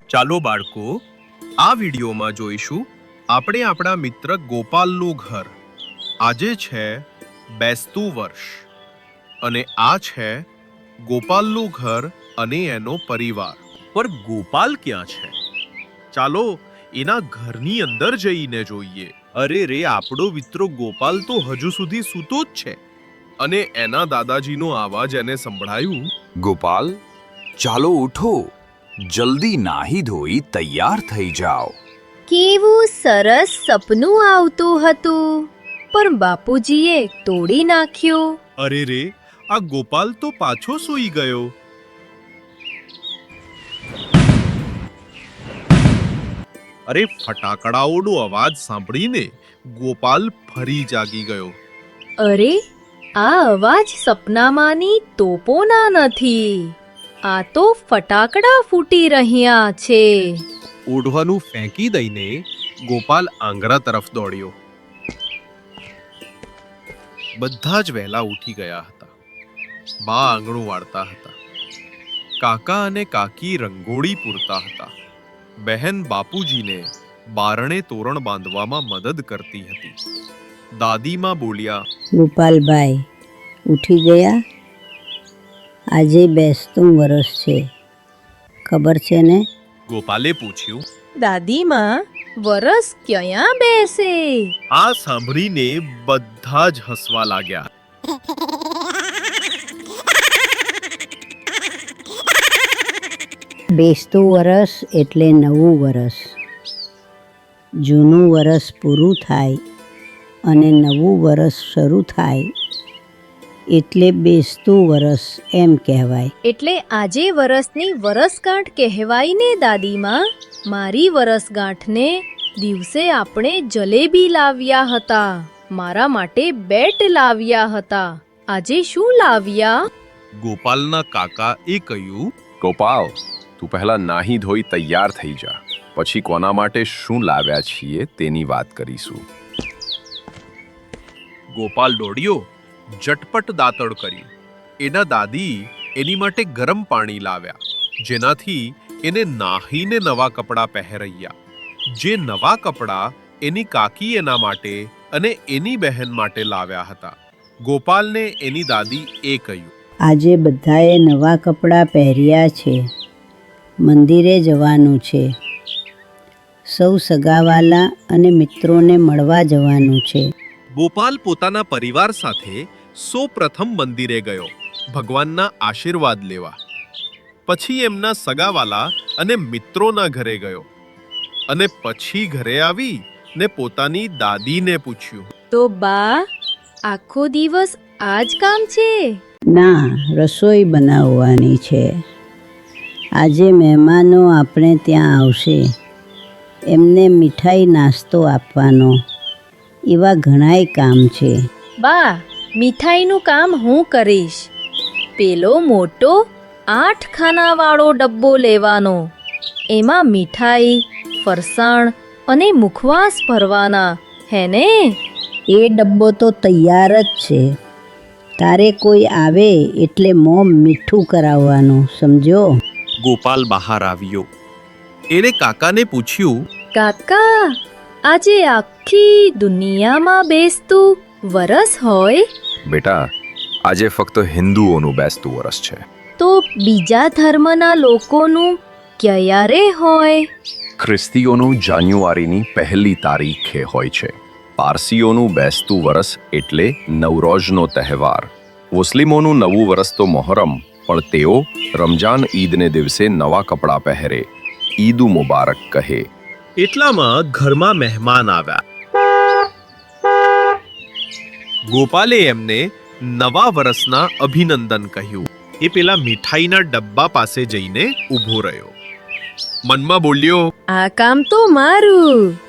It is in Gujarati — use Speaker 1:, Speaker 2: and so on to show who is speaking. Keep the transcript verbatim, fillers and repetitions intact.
Speaker 1: ચાલો બાળકો, આ વિડીયોમાં જોઈશું આપણે આપણા મિત્ર ગોપાલનું ઘર. આજે છે બેસતું વર્ષ અને આ છે ગોપાલનું ઘર અને એનો પરિવાર. પર ગોપાલ ક્યાં છે? ચાલો એના ઘરની અંદર જઈને જોઈએ. અરે રે, આપણો મિત્ર ગોપાલ તો હજુ સુધી સૂતો જ છે અને એના દાદાજીનો અવાજ એને સંભળાયું.
Speaker 2: ગોપાલ, ચાલો ઉઠો, જલ્દી નાહી ધોઈ તૈયાર થઈ જાઓ.
Speaker 3: કેવું સરસ સપનું આવતું હતું, પણ બાપુજીએ તોડી નાખ્યું.
Speaker 1: અરે રે, આ ગોપાલ તો પાછો સૂઈ ગયો. અરે, ફટાકડાઓનો અવાજ સાંભળીને ગોપાલ ફરી જાગી ગયો.
Speaker 3: અરે, આ અવાજ સપનામાંની તોપોના નથી, આ તો ફટાકડા ફૂટી રહ્યા છે.
Speaker 1: ઓઢવાનું ફેંકી દઈને ગોપાલ આંગણા તરફ દોડ્યો. બધા જ વહેલા ઉઠી ગયા હતા. બા આંગણું વાળતા હતા, કાકા અને કાકી રંગોળી પૂરતા હતા, બહેન બાપુજીને બારણે તોરણ બાંધવામાં મદદ કરતી હતી. દાદીમાં બોલ્યા,
Speaker 4: ગોપાલભાઈ ઉઠી ગયા? આજે બેસતું વરસ છે, ખબર છે ને?
Speaker 1: ગોપાલે પૂછ્યું.
Speaker 3: દાદીમાં, વરસ ક્યાં બેસે?
Speaker 1: આ સાંભળીને બધા જ હસવા લાગ્યા.
Speaker 4: બેસતું વરસ એટલે નવું વરસ. જૂનું વરસ પૂરું થાય અને નવું વરસ શરૂ થાય એટલે બેસતું વરસ એમ કહેવાય.
Speaker 3: એટલે આજે વરસની વરસગાંઠ કહેવાય ને દાદીમાં? મારી વરસગાંઠને દિવસે આપણે જલેબી લાવ્યા હતા, મારા માટે બેટ લાવ્યા હતા. આજે શું લાવ્યા?
Speaker 1: ગોપાલના કાકા એ કહ્યું,
Speaker 5: ગોપાલ, તું પહેલા નાહી ધોઈ તૈયાર થઈ જા, પછી કોના માટે શું લાવ્યા છીએ તેની વાત કરીશું.
Speaker 1: ગોપાલ દોડ્યો, ઝટપટ દાંતણ કર્યું. એના દાદી એની માટે ગરમ પાણી લાવ્યા, જેનાથી એને નાહીને નવા કપડાં પહેરૈયા. જે નવા કપડાં એની કાકી એના માટે અને એની બહેન માટે લાવ્યા હતા. ગોપાલને એની દાદી એ કહ્યું,
Speaker 4: આજે બધાએ નવા કપડાં પહેર્યા છે, મંદિરે જવાનું છે, સૌ સગાવાલા અને મિત્રોને મળવા જવાનું છે.
Speaker 1: ગોપાલ પોતાના પરિવાર સાથે સૌ પ્રથમ મંદિરે ગયો ભગવાનના આશીર્વાદ લેવા. પછી એમના સગાવાલા અને મિત્રોના ઘરે ગયો અને પછી ઘરે આવી ને પોતાની દાદીને પૂછ્યું,
Speaker 3: તો બા, આખો દિવસ આ જ કામ છે?
Speaker 4: ના, રસોઈ બનાવવાની છે. આજે મહેમાનો આપણે ત્યાં આવશે, એમને મીઠાઈ નાસ્તો આપવાનો, એવા ઘણાય કામ છે.
Speaker 3: બા, મીઠાઈનું કામ હું કરીશ. પેલો મોટો આઠ ખાનાવાળો ડબ્બો લેવાનો, એમાં મીઠાઈ, ફરસાણ અને મુખવાસ ભરવાના, હે ને?
Speaker 4: એ ડબ્બો તો તૈયાર જ છે. તારે કોઈ આવે એટલે મોં મીઠું કરાવવાનું, સમજો?
Speaker 1: ગોપાલ બહાર આવ્યો. એને કાકાને પૂછ્યું,
Speaker 3: કાકા, આજે આખી દુનિયામાં બેસતું વરસ હોય?
Speaker 5: બેટા, આજે ફક્ત હિન્દુઓનું બેસતું વરસ છે.
Speaker 3: તો બીજા ધર્મના લોકોનું ક્યારે હોય?
Speaker 5: ખ્રિસ્તીઓનું જાન્યુઆરીની પહેલી તારીખે હોય છે. પારસીઓનું બેસતું વરસ એટલે નવરોઝનો તહેવાર. મુસ્લિમોનું નવું વરસ તો મોહરમ, પણ તેઓ રમજાન ઈદને દિવસે નવા કપડાં પહેરે, ઈદ મુબારક કહે.
Speaker 1: એટલામાં ઘરમાં મહેમાન આવ્યા. ગોપાલે એમને નવા વર્ષના અભિનંદન કહ્યું. એ પેલા મીઠાઈના ડબ્બા પાસે જઈને ઊભો રહ્યો. મનમાં બોલ્યો,
Speaker 3: આ કામ તો મારું.